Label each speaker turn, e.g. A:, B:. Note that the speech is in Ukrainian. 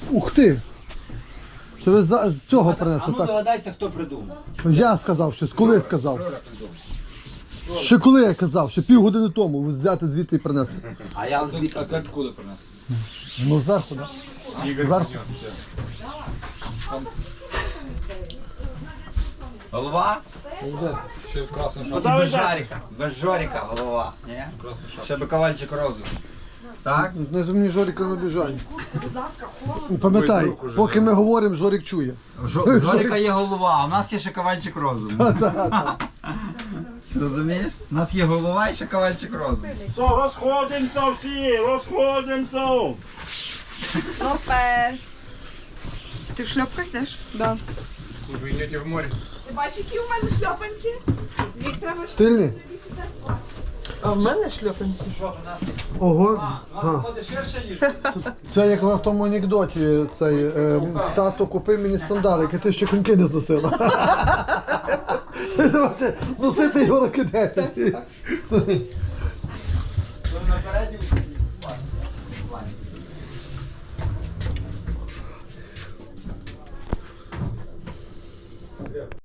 A: Ух ти! Це ви з цього
B: А
A: принесли,
B: ну
A: так?
B: догадайся, хто придумав.
A: Я сказав, ще коли сказав. Ще коли я казав, ще півгодини тому взяти звідти і принести.
B: А я звідти.
C: А це откуда принес?
A: Ну зверху, так? Зверху.
B: Голова?
C: Ще в красному шапці.
B: Без Жаріка. Без Жоріка голова. Ні? Ще би ковальчик розум. Так?
A: Не мені Жоріка не біжать. Пам'ятай, поки ми говоримо, Жорік чує.
B: Жоріка є голова, а у нас є ще ковальчик розуму. Розумієш? У нас є голова і ще ковальчик розуму.
D: Що, розходимося всі, розходимося.
E: Супер. Ти в шльопках йдеш? Да.
C: Ви йдете в море.
E: Ти бачиш, які у мене шльопанці? Їх треба
A: Стильні?
E: А в мене шльопанці?
A: Ого.
B: Виходить ширше, ніж.
A: Це як в тому анекдоті, цей тато купив мені сандалики, ти ще коньки не зносила. Ти бачиш, носити його роки 10.